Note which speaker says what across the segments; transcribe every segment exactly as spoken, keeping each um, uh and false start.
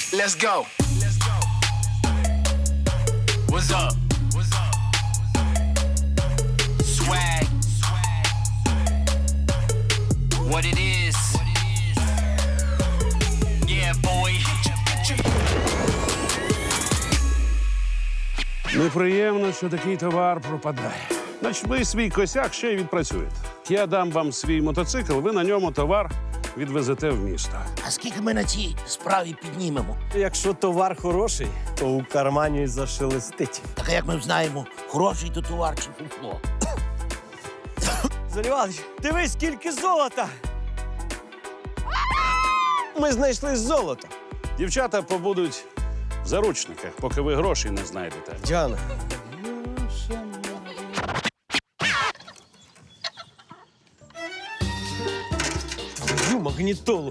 Speaker 1: Let's go. What's up? What's up? Swag. What it is. Yeah, boy.
Speaker 2: Неприємно, що такий товар пропадає. Значить, ви свій косяк ще й відпрацюєте. Я дам вам свій мотоцикл, ви на ньому товар відвезете в місто.
Speaker 3: А скільки ми на цій справі піднімемо?
Speaker 4: Якщо товар хороший, то у кармані зашелестить.
Speaker 3: Так а як ми знаємо, хороший то товар чи фуфло?
Speaker 4: Залівалич, дивись, скільки золота! Ми знайшли золото.
Speaker 2: Дівчата побудуть в заручниках, поки ви грошей не знайдете.
Speaker 4: Діана. Ю, магнітолу.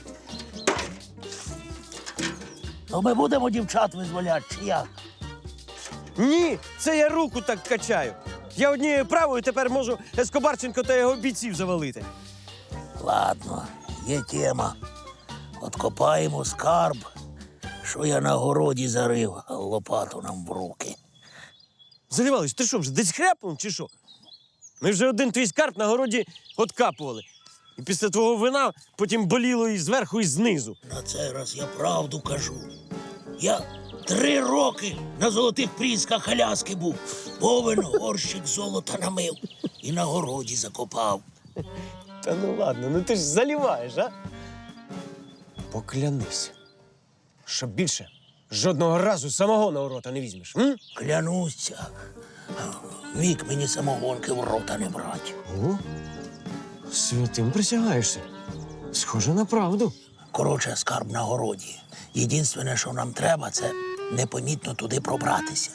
Speaker 3: То ми будемо дівчат визволяти, чи як?
Speaker 4: Ні, це я руку так качаю. Я однією правою тепер можу Ескобарченко та його бійців завалити.
Speaker 3: Ладно, є тема. Откопаємо скарб, що я на городі зарив, а лопату нам в руки.
Speaker 4: Залівалич, ти що вже десь хряпнув чи що? Ми вже один твій скарб на городі откапували. І після твого вина потім боліло і зверху, і знизу.
Speaker 3: На цей раз я правду кажу. Я три роки на золотих прісках Аляски був. Повен горщик золота намив і на городі закопав.
Speaker 4: Та ну ладно, ну ти ж заліваєш, а? Поклянись, що більше жодного разу самого на рота не візьмеш. М?
Speaker 3: Клянуся, вік мені самогонки в рота не брать.
Speaker 4: О, святим присягаєшся. Схоже на правду.
Speaker 3: Коротше, скарб на городі. Єдине, що нам треба, це непомітно туди пробратися.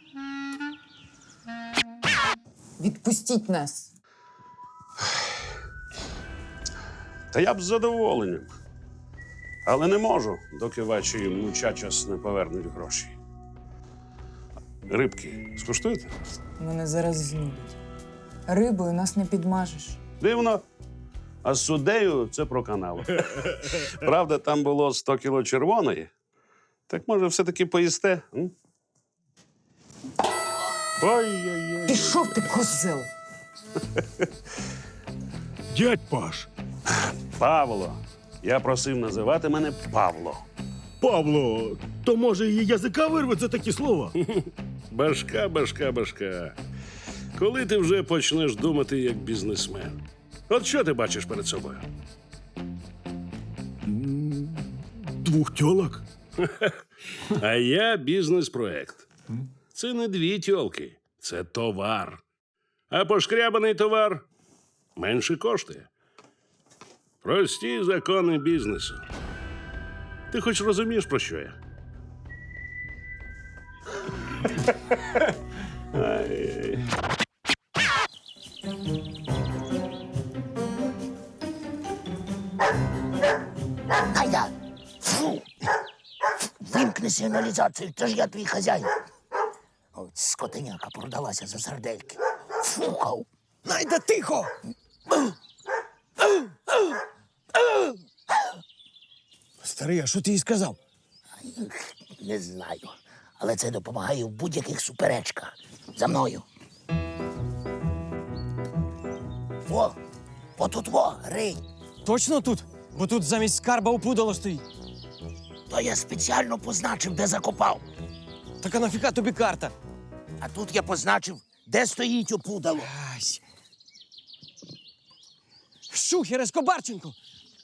Speaker 5: Відпустіть нас.
Speaker 2: Та я б з задоволенням. Але не можу, доки ваші мучачас не повернуть гроші. Рибки скуштуєте?
Speaker 5: Мене зараз знудять. Рибою нас не підмажеш.
Speaker 2: Дивно. А з суддею це про канал. Правда, там було сто кіло червоної. Так може все-таки поїсте? М? Ой-ой-ой.
Speaker 5: Пішов ти, козел!
Speaker 6: Дядь Паш,
Speaker 2: Павло. Я просив називати мене Павло.
Speaker 6: Павло, то може її язика вирве за такі слова?
Speaker 2: Башка, башка, башка. Коли ти вже почнеш думати як бізнесмен? От що ти бачиш перед собою?
Speaker 6: Двох тьолок?
Speaker 2: А я бізнес-проект. Це не дві тьолки, це товар. А пошкрябаний товар менше коштує. Прості закони бізнесу. Ти хоч розумієш, про що я? Ай-яй.
Speaker 3: Гайда! Фу! Вимкни сигналізацію, то ж я твій хазяїн. От скотиняка продалася за сардельки. Фукав.
Speaker 4: Найда, тихо! Старий, а що ти їй сказав?
Speaker 3: Не знаю, але це допомагає в будь-яких суперечках. За мною. О, отут во, ринь.
Speaker 4: Точно тут? Бо тут замість скарба опудало стоїть.
Speaker 3: То я спеціально позначив, де закопав.
Speaker 4: Так а нафіга тобі карта?
Speaker 3: А тут я позначив, де стоїть опудало.
Speaker 4: Ась. Шухер, Ескобарченко!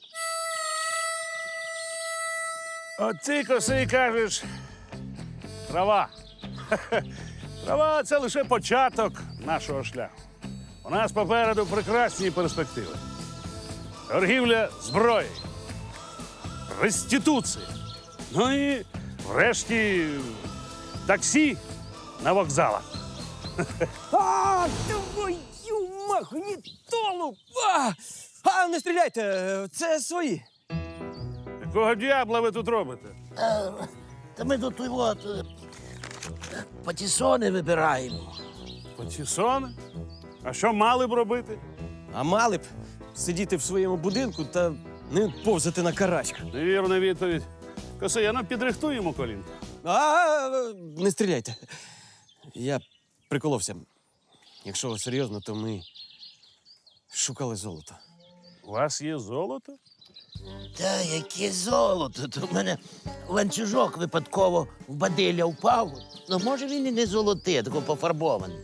Speaker 2: От ти, косий, кажеш, трава. Трава – це лише початок нашого шляху. У нас попереду прекрасні перспективи. Торгівля зброєю, реституція. Ну і, врешті, таксі на вокзалах.
Speaker 4: А, твою магнітолу! А, а не стріляйте, це свої.
Speaker 2: Якого д'ябла ви тут робите?
Speaker 3: Е, Та ми тут і от, е, патісони вибираємо.
Speaker 2: Патісони? А що мали б робити?
Speaker 4: А мали б сидіти в своєму будинку та не повзати на карачках.
Speaker 2: Невірна відповідь. Косий, ну підрихтуємо колінка.
Speaker 4: А, не стріляйте. Я приколовся. Якщо серйозно, то ми шукали золото.
Speaker 2: У вас є золото?
Speaker 3: Та яке золото? То в мене ланцюжок випадково в бадилля впав. Ну, може, він і не золотий, а тако пофарбований.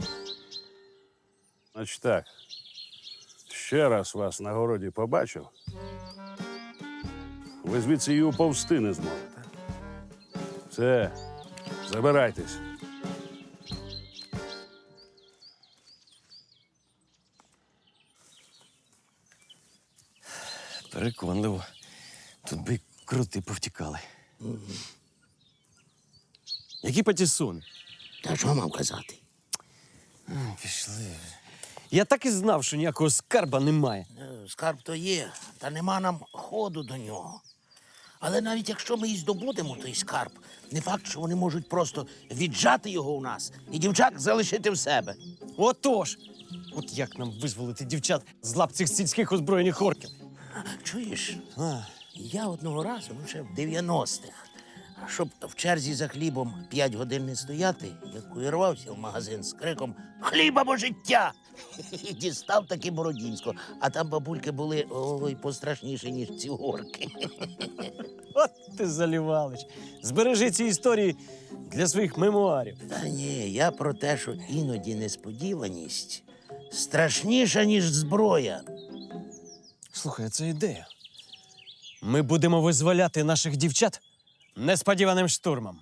Speaker 2: Значить так. Ще раз вас на городі побачив. Ви звідси і уповзти не зможете. Все, забирайтесь.
Speaker 4: Переконливо. Тут би крути повтікали. Які патісони?
Speaker 3: Та що мав казати?
Speaker 4: Пішли. Я так і знав, що ніякого скарба немає.
Speaker 3: Е, Скарб то є, та нема нам ходу до нього. Але навіть якщо ми і здобудемо той скарб, не факт, що вони можуть просто віджати його у нас і дівчат залишити в себе.
Speaker 4: Отож! От як нам визволити дівчат з лап цих сільських озброєних орків?
Speaker 3: Чуєш?
Speaker 4: А,
Speaker 3: Я одного разу, ну ще в дев'яностих, щоб в черзі за хлібом п'ять годин не стояти, як увірвався в магазин з криком «Хліба бо життя!» І дістав таки Бородінського. А там бабульки були ой, пострашніші, ніж ці горки.
Speaker 4: от ти залівалич. Збережи ці історії для своїх мемуарів.
Speaker 3: Та ні, я про те, що іноді несподіваність страшніша, ніж зброя.
Speaker 4: Слухай, це ідея. Ми будемо визволяти наших дівчат несподіваним штурмом.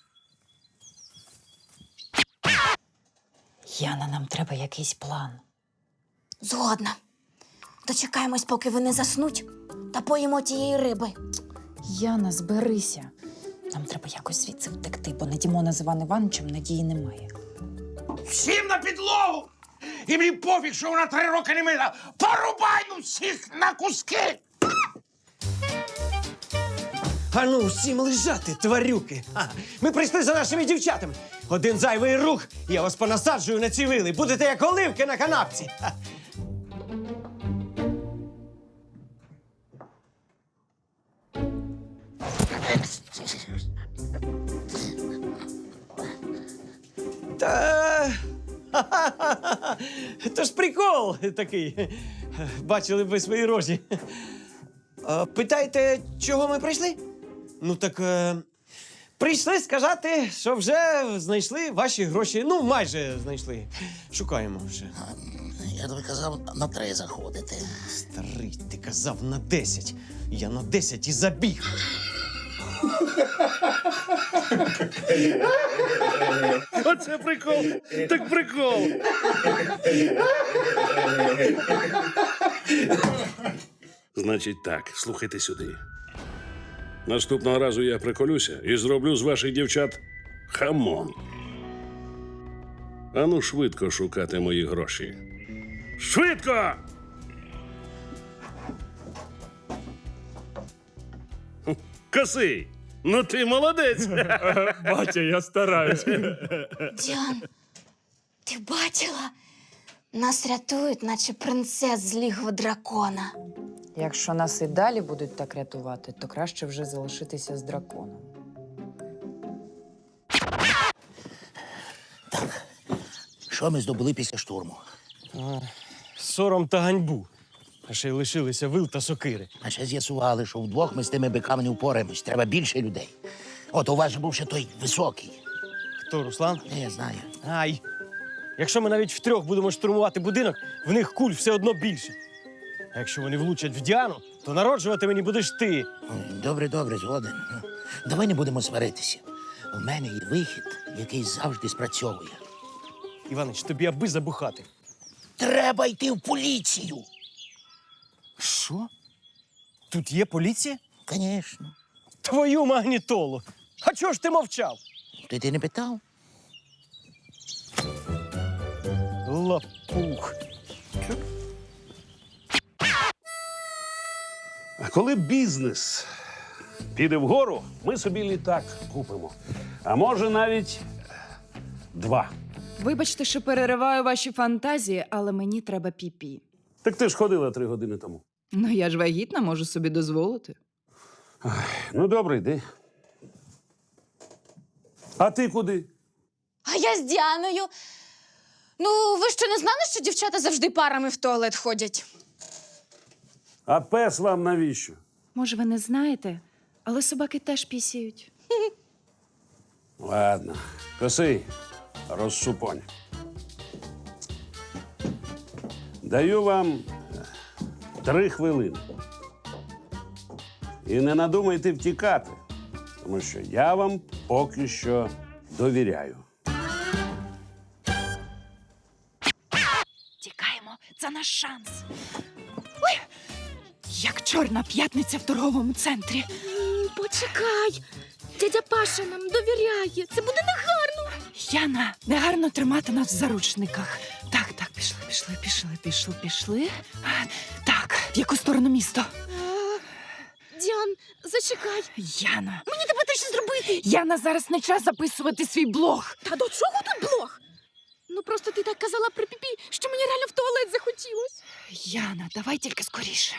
Speaker 7: Яна, нам треба якийсь план.
Speaker 8: Згодна. Дочекаємось, поки вони заснуть, та поїмо тієї риби.
Speaker 5: Яна, зберися. Нам треба якось звідси втекти, бо на Дімона з Іван Івановичем надії немає.
Speaker 3: Всім на підлогу! І мені пофіг, що вона три роки не мила. Порубаю всіх на куски!
Speaker 4: А ну, всім лежати, тварюки! А, ми прийшли за нашими дівчатами. Один зайвий рух, я вас понасаджую на ці вили. Будете як оливки на канапці. Ха. Та... ха-ха-ха-ха. То ж прикол такий. Бачили б ви свої рожі. А, питаєте, чого ми прийшли? Ну так е, прийшли сказати, що вже знайшли ваші гроші. Ну, майже знайшли. Шукаємо вже.
Speaker 3: Я тобі казав на три заходити.
Speaker 4: Старий, ти казав на десять. Я на десять і забіг.
Speaker 2: Оце прикол! Так прикол! Значить так, слухайте сюди. Наступного разу я приколюся і зроблю з ваших дівчат хамон. Ану швидко шукати мої гроші. Швидко! Хм, Косий, ну ти молодець!
Speaker 6: Батя, я стараюсь.
Speaker 8: Діан, ти бачила? Нас рятують, наче принцес з лігва дракона.
Speaker 5: Якщо нас і далі будуть так рятувати, то краще вже залишитися з драконом.
Speaker 3: Що ми здобули після штурму?
Speaker 4: Сором та ганьбу. А ще й лишилися вил та сокири.
Speaker 3: А ще з'ясували, що вдвох ми з тими биками не впораємось. Треба більше людей. От у вас же був ще той високий.
Speaker 4: Хто, Руслан?
Speaker 3: Не, я знаю.
Speaker 4: Ай! Якщо ми навіть втрьох будемо штурмувати будинок, в них куль все одно більше. А якщо вони влучать в Діану, то народжувати мені будеш ти.
Speaker 3: Ой, Добре, добре, згоден. Ну, давай не будемо сваритися. У мене є вихід, який завжди спрацьовує.
Speaker 4: Іванич, тобі аби забухати.
Speaker 3: Треба йти в поліцію.
Speaker 4: Що? Тут є поліція?
Speaker 3: Звісно.
Speaker 4: Твою магнітолу! А чого ж ти мовчав?
Speaker 3: Ти ти не питав?
Speaker 4: Лапух.
Speaker 2: А коли бізнес піде вгору, ми собі літак купимо. А може навіть два.
Speaker 5: Вибачте, що перериваю ваші фантазії, але мені треба піпі.
Speaker 2: Так ти ж ходила три години тому.
Speaker 5: Ну, я ж вагітна, можу собі дозволити.
Speaker 2: Ну, добре, йди. А ти куди?
Speaker 8: А я з Діаною. Ну, ви що не знали, що дівчата завжди парами в туалет ходять?
Speaker 2: А пес вам навіщо?
Speaker 5: Може, ви не знаєте, але собаки теж пісяють.
Speaker 2: Ладно, косий, розсупонь. Даю вам е, три хвилини. І не надумайте втікати, тому що я вам поки що довіряю.
Speaker 5: Тікаємо, це наш шанс. Ой! Як чорна п'ятниця в торговому центрі.
Speaker 8: Почекай. Дядя Паша нам довіряє. Це буде негарно.
Speaker 5: Яна, негарно тримати нас в заручниках. Так, так, пішли, пішли, пішли, пішли, пішли. А, Так, в яку сторону місто?
Speaker 8: Діан, зачекай.
Speaker 5: Яна.
Speaker 8: Мені тебе теж зробити.
Speaker 5: Яна, зараз не час записувати свій блог.
Speaker 8: Та до чого тут блог? Ну просто ти так казала при піпі, що мені реально в туалет захотілось.
Speaker 5: Яна, давай тільки скоріше.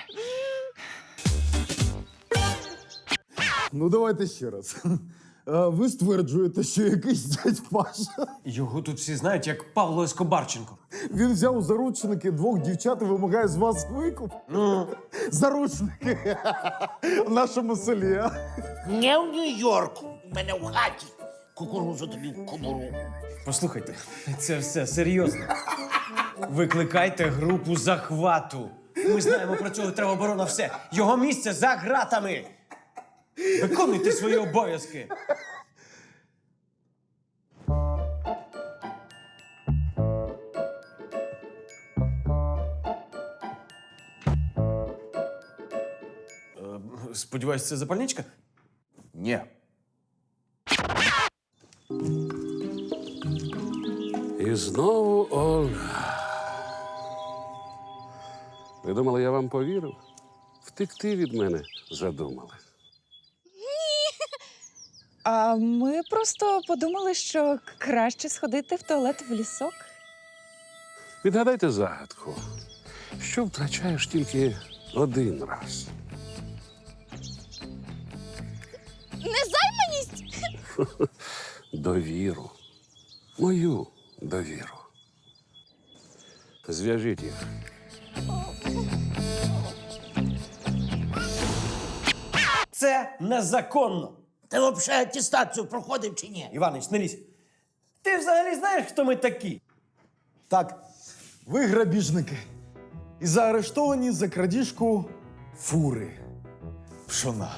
Speaker 9: Ну, давайте ще раз. А ви стверджуєте, що якийсь дядь Паша.
Speaker 4: Його тут всі знають як Павло Ескобарченко.
Speaker 9: Він взяв у заручники двох дівчат і вимагає з вас викуп.
Speaker 4: Ну,
Speaker 9: Заручники в нашому селі. а?
Speaker 3: Не в Нью-Йорку. У мене в хаті. Кукурузу тобі в кобуру.
Speaker 4: послухайте, це все серйозно. Викликайте групу захвату. Ми знаємо про цього тероборона все. Його місце за ґратами. Виконуйте свої обов'язки. Е, Сподіваюсь, це запальничка?
Speaker 9: Ні.
Speaker 2: І знову Ольга. Ви думали, я вам повірив? Втекти від мене задумали.
Speaker 5: А ми просто подумали, що краще сходити в туалет в лісок.
Speaker 2: Відгадайте загадку, що втрачаєш тільки один раз.
Speaker 8: Незайманість?
Speaker 2: Довіру. Мою довіру. Зв'яжіть їх.
Speaker 4: Це незаконно.
Speaker 3: Ти взагалі атестацію проходив чи ні?
Speaker 4: Іванич, не лізь. Ти взагалі знаєш, хто ми такі?
Speaker 9: Так, ви грабіжники. І заарештовані за крадіжку фури. Пшона.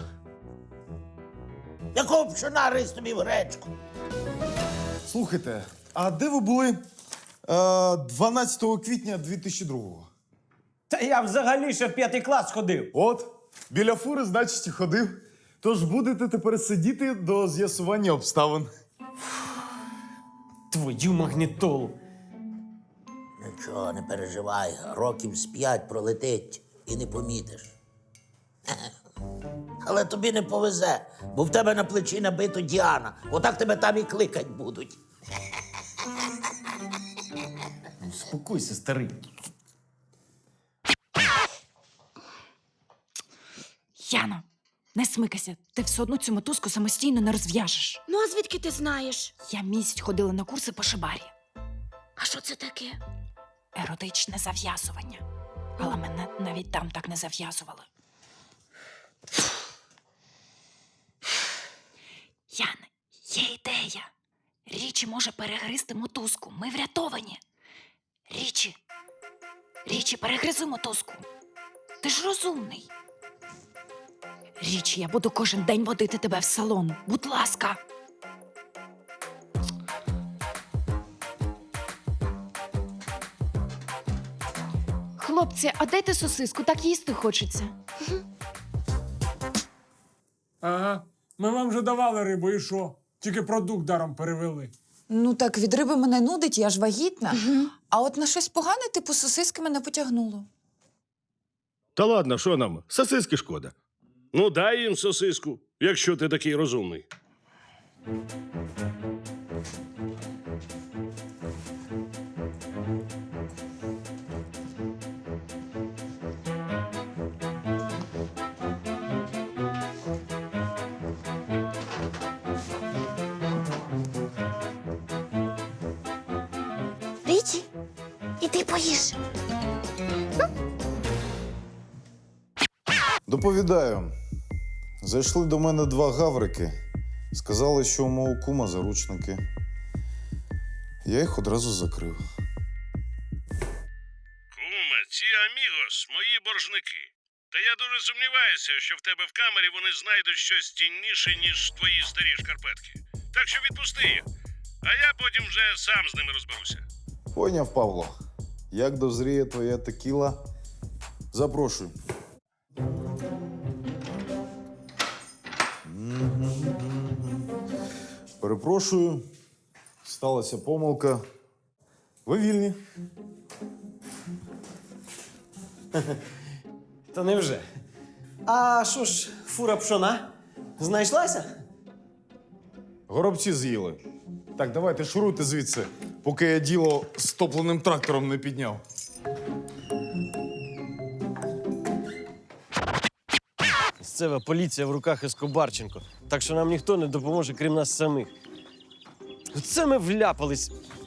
Speaker 3: Якого пшона рис тобі в гречку?
Speaker 9: Слухайте, а де ви були е, дванадцятого квітня дві тисячі другого?
Speaker 4: Та я взагалі ще в п'ятий клас ходив.
Speaker 9: От, біля фури, значить, і ходив. Тож будете тепер сидіти до з'ясування обставин.
Speaker 4: Твою магнітолу.
Speaker 3: Нічого, не переживай. Років з п'ять пролетить і не помітиш. Але тобі не повезе, бо в тебе на плечі набито Діана. Отак тебе там і кликать будуть.
Speaker 4: Спокойся, старий.
Speaker 5: Яно, не смикайся. Ти все одно цю мотузку самостійно не розв'яжеш.
Speaker 8: Ну, а звідки ти знаєш?
Speaker 5: Я місяць ходила на курси по шибарі.
Speaker 8: А що це таке?
Speaker 5: Еротичне зав'язування. Але мене навіть там так не зав'язували. Яне, є ідея. Річі може перегризти мотузку. Ми врятовані. Річі. Річі, перегризи мотузку. Ти ж розумний. Річі, я буду кожен день водити тебе в салон. Будь ласка. Хлопці, а дайте сосиску, так їсти хочеться.
Speaker 10: Ага. Ми вам вже давали рибу, і що? Тільки продукт даром перевели.
Speaker 11: Ну так від риби мене нудить, я ж вагітна. А от на щось погане, типу сосиски, мене потягнуло.
Speaker 6: Та ладно, що нам? Сосиски шкода.
Speaker 2: Ну, дай їм сосиску, якщо ти такий розумний.
Speaker 8: Річі, іди поїж.
Speaker 9: Доповідаю. Зайшли до мене два гаврики. Сказали, що у мого кума заручники. Я їх одразу закрив.
Speaker 2: Куме, ці амігос – мої боржники. Та я дуже сумніваюся, що в тебе в камері вони знайдуть щось цінніше, ніж твої старі шкарпетки. Так що відпусти їх, а я потім вже сам з ними розберуся.
Speaker 9: Поняв, Павло. Як дозріє твоя текіла, запрошую. Перепрошую. Сталася помилка. Ви вільні.
Speaker 4: Та невже? А що ж, фура пшона? Знайшлася?
Speaker 9: Горобці з'їли. Так, давайте шуруйте звідси, поки я діло з топленим трактором не підняв.
Speaker 4: Місцева поліція в руках Ескобарченко. Так що нам ніхто не допоможе, крім нас самих. Оце ми вляпались.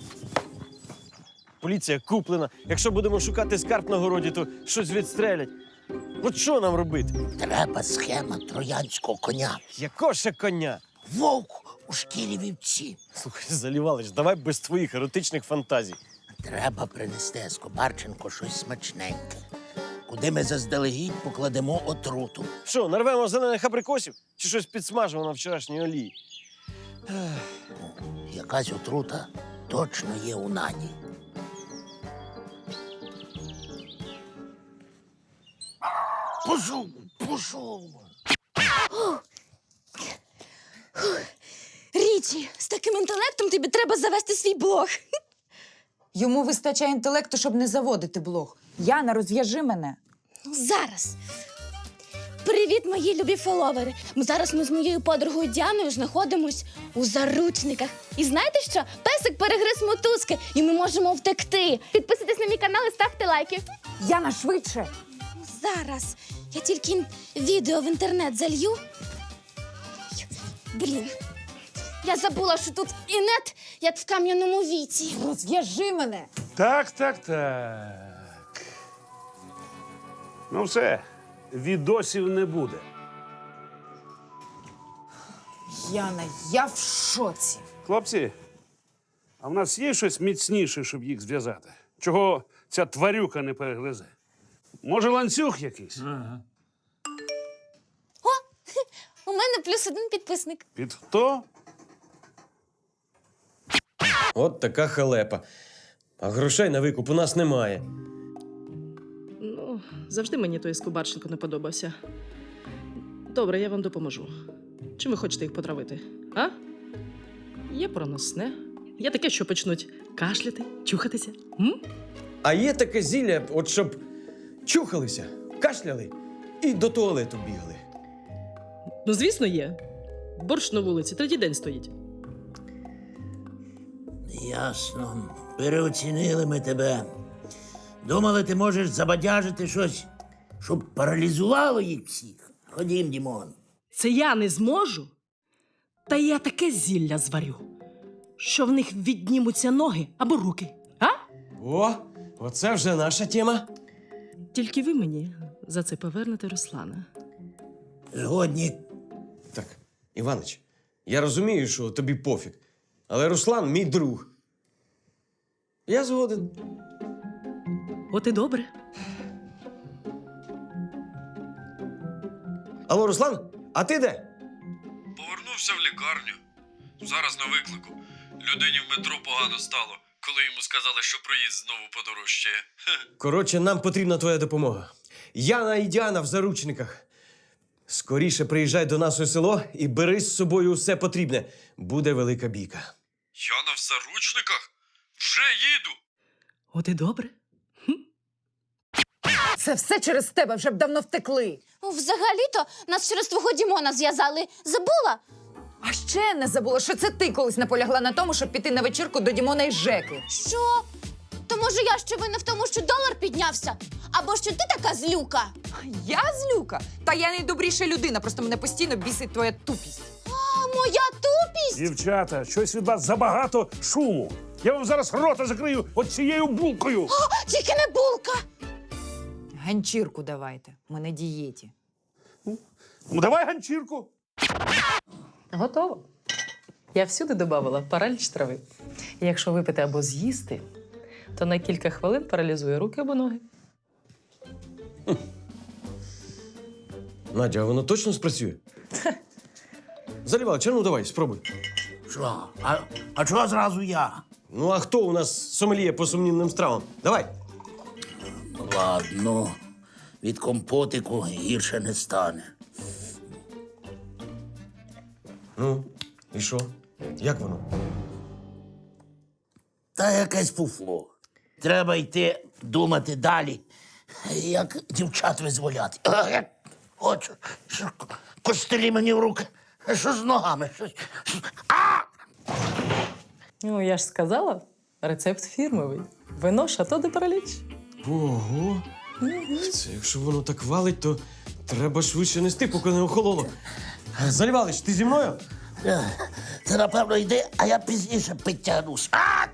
Speaker 4: Поліція куплена. Якщо будемо шукати скарб на городі, то щось відстрелять. От що нам робити?
Speaker 3: Треба схема троянського коня.
Speaker 4: Якого ще коня?
Speaker 3: Вовк у шкірі вівці.
Speaker 4: Слухай, Залівалич, давай без твоїх еротичних фантазій.
Speaker 3: Треба принести Ескобарченко щось смачненьке, куди ми заздалегідь покладемо отруту.
Speaker 4: Що, нарвемо зелених абрикосів? Чи щось підсмажимо на вчорашній олії?
Speaker 3: Якась отрута точно є у Наді. Пішов, пішов.
Speaker 8: Річі, з таким інтелектом тобі треба завести свій блог.
Speaker 11: Йому вистачає інтелекту, щоб не заводити блог. Яна, розв'яжи мене.
Speaker 8: Ну, зараз. Привіт, мої любі фоловери. Ми зараз ми з моєю подругою Діаною знаходимось у заручниках. І знаєте що? Песик перегриз мотузки, і ми можемо втекти. Підписуйтесь на мій канал і ставте лайки.
Speaker 11: Яна, швидше!
Speaker 8: Зараз. Я тільки відео в інтернет залью. Блін. Я забула, що тут і нет, як в кам'яному віці.
Speaker 11: Розв'яжи мене!
Speaker 2: Так, так, так. Ну все, відосів не буде.
Speaker 11: Яна, я в шоці.
Speaker 2: Хлопці, а в нас є щось міцніше, щоб їх зв'язати? Чого ця тварюка не перегризе? Може, ланцюг якийсь?
Speaker 8: У мене плюс один підписник.
Speaker 2: Під хто?
Speaker 4: От така халепа. А грошей на викуп у нас немає.
Speaker 12: Ну, завжди мені той Ескобарченко не подобався. Добре, я вам допоможу. Чим ви хочете їх потравити? А? Є проносне. Є таке, що почнуть кашляти, чухатися. М?
Speaker 4: А є таке зілля, от щоб чухалися, кашляли і до туалету бігли.
Speaker 12: Ну, звісно, є. Борщ на вулиці, третій день стоїть.
Speaker 3: Ясно. Переоцінили ми тебе. Думали, ти можеш забадяжити щось, щоб паралізувало їх всіх. Ходім, Дімон.
Speaker 12: Це я не зможу. Та я таке зілля зварю, що в них віднімуться ноги або руки. А?
Speaker 4: О, оце вже наша тема.
Speaker 12: Тільки ви мені за це повернете Руслана.
Speaker 3: Згодні.
Speaker 4: Так, Іванич, я розумію, що тобі пофіг, але Руслан мій друг. Я згоден.
Speaker 12: От і добре.
Speaker 4: Алло, Руслан, а ти де?
Speaker 13: Повернувся в лікарню. Зараз на виклику. Людині в метро погано стало, коли йому сказали, що проїзд знову подорожчає.
Speaker 4: Коротше, нам потрібна твоя допомога. Яна і Діана в заручниках. Скоріше приїжджай до нас у село і бери з собою усе потрібне. Буде велика бійка.
Speaker 13: Яна в заручниках? Вже їду!
Speaker 12: От і добре.
Speaker 11: Це все через тебе, вже б давно втекли.
Speaker 8: Ну, взагалі-то нас через твого Дімона зв'язали. Забула?
Speaker 11: А ще не забула, що це ти колись наполягла на тому, щоб піти на вечірку до Дімона і Жеки.
Speaker 8: Що? То може я ще винна в тому, що долар піднявся? Або що ти така злюка?
Speaker 11: Я злюка? Та я найдобріша людина, просто мене постійно бісить твоя тупість.
Speaker 8: А, моя тупість?
Speaker 2: Дівчата, щось від вас забагато шуму. Я вам зараз рота закрию от цією булкою.
Speaker 8: О, тільки не булка!
Speaker 11: Ганчірку давайте. Ми на дієті.
Speaker 2: Ну, давай ганчірку.
Speaker 12: Готово. Я всюди додавала параліч трави. І якщо випити або з'їсти, то на кілька хвилин паралізує руки або ноги.
Speaker 4: Надя, а воно точно спрацює? Залівалич, а ну давай, спробуй.
Speaker 3: Що? А, а чого зразу я?
Speaker 4: Ну, а хто у нас сомельє по сумнівним стравам? Давай.
Speaker 3: Ладно, від компотику гірше не стане.
Speaker 4: Ну, і що? Як воно?
Speaker 3: Та якесь фуфло. Треба йти думати далі, як дівчат визволяти. А, я хочу, що костелі мені в руки. А що з ногами? Що... А!
Speaker 12: Ну, я ж сказала, рецепт фірмовий. Вино Шато де Параліч.
Speaker 4: Ого. Це якщо воно так валить, то треба швидше нести, поки не охололо. Залівалич, ти зі мною?
Speaker 3: Ти, напевно, йди, а я пізніше підтягнусь. А!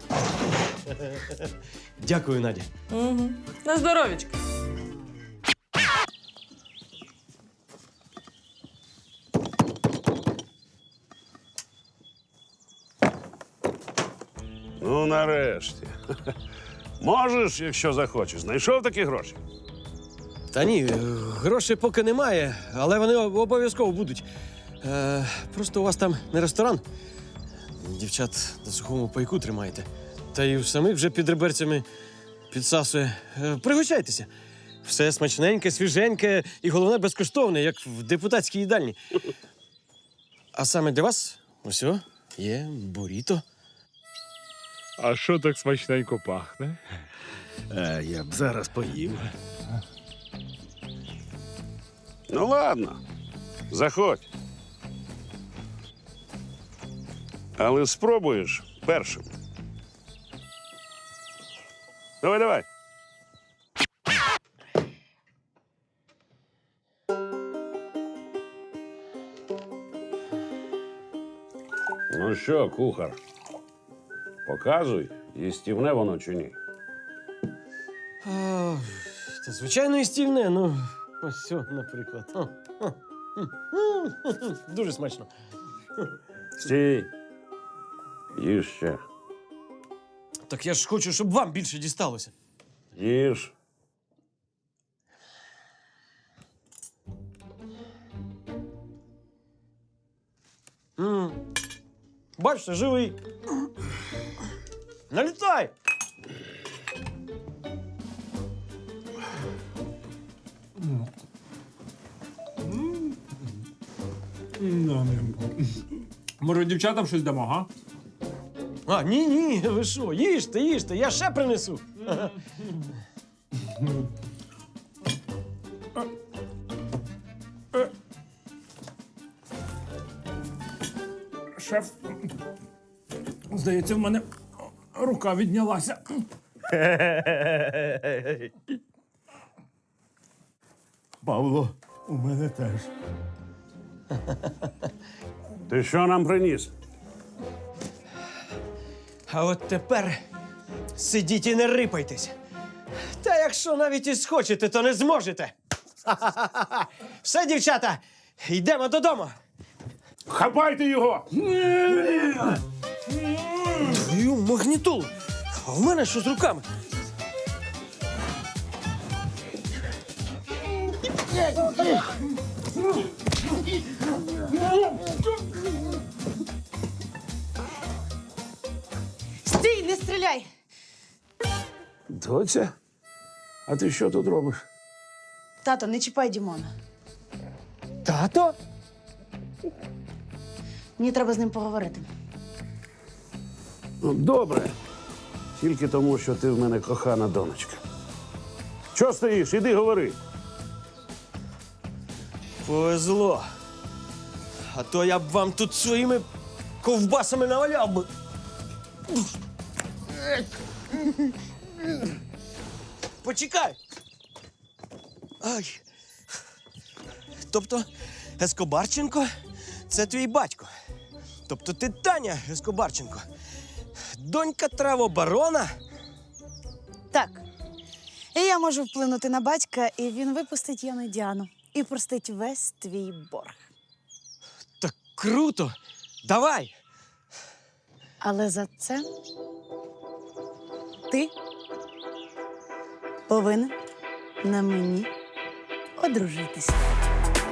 Speaker 4: Дякую, Надя.
Speaker 12: Угу. На здоров'ячко.
Speaker 2: Ну, нарешті. Можеш, якщо захочеш. Знайшов такі гроші?
Speaker 4: Та ні, е, грошей поки немає, але вони об- обов'язково будуть. Е, просто у вас там не ресторан. Дівчат на сухому пайку тримаєте. Та й у самих вже під реберцями підсасує. Е, пригощайтеся. Все смачненьке, свіженьке і, головне, безкоштовне, як в депутатській їдальні. А саме для вас ось о, є буріто.
Speaker 6: А що так смачненько пахне? Е, я б зараз поїв.
Speaker 2: Ну, ладно. Заходь. Але спробуєш першим. Давай, давай. Ну що, кухар? Показуй, їстівне воно чи ні.
Speaker 4: А, та звичайно і стільне, ну ось цього, наприклад. О, о, м, м, Дуже смачно.
Speaker 2: Стій. Їж ще.
Speaker 4: Так я ж хочу, щоб вам більше дісталося.
Speaker 2: Їж.
Speaker 4: М. Бачите, живий. Налітай!
Speaker 10: Може, дівчатам щось дамо, га?
Speaker 4: А, ні, ні, ви що, їжте, їжте, я ще принесу.
Speaker 10: Шеф, здається, в мене рука віднялася.
Speaker 6: Павло, у мене теж.
Speaker 2: Ти що нам приніс?
Speaker 4: А от тепер сидіть і не рипайтесь. Та якщо навіть і схочете, то не зможете. Все, дівчата, йдемо додому.
Speaker 2: Хапайте його!
Speaker 4: Твою магнітолу. А в мене що з руками?
Speaker 5: Стій, не стріляй!
Speaker 2: Доця? А ти що тут робиш?
Speaker 5: Тато, не чіпай Дімона.
Speaker 4: Тато?
Speaker 5: Мені треба з ним поговорити.
Speaker 2: Ну, добре. Тільки тому, що ти в мене кохана донечка. Чого стоїш? Іди говори.
Speaker 4: Повезло. А то я б вам тут своїми ковбасами наваляв би. Почекай. Ай. Тобто Ескобарченко – це твій батько. Тобто ти Таня Ескобарченко, донька травобарона?
Speaker 5: Так. І я можу вплинути на батька, і він випустить Яну Діану. І простить весь твій борг.
Speaker 4: Так круто! Давай!
Speaker 5: Але за це ти повинен на мені одружитися.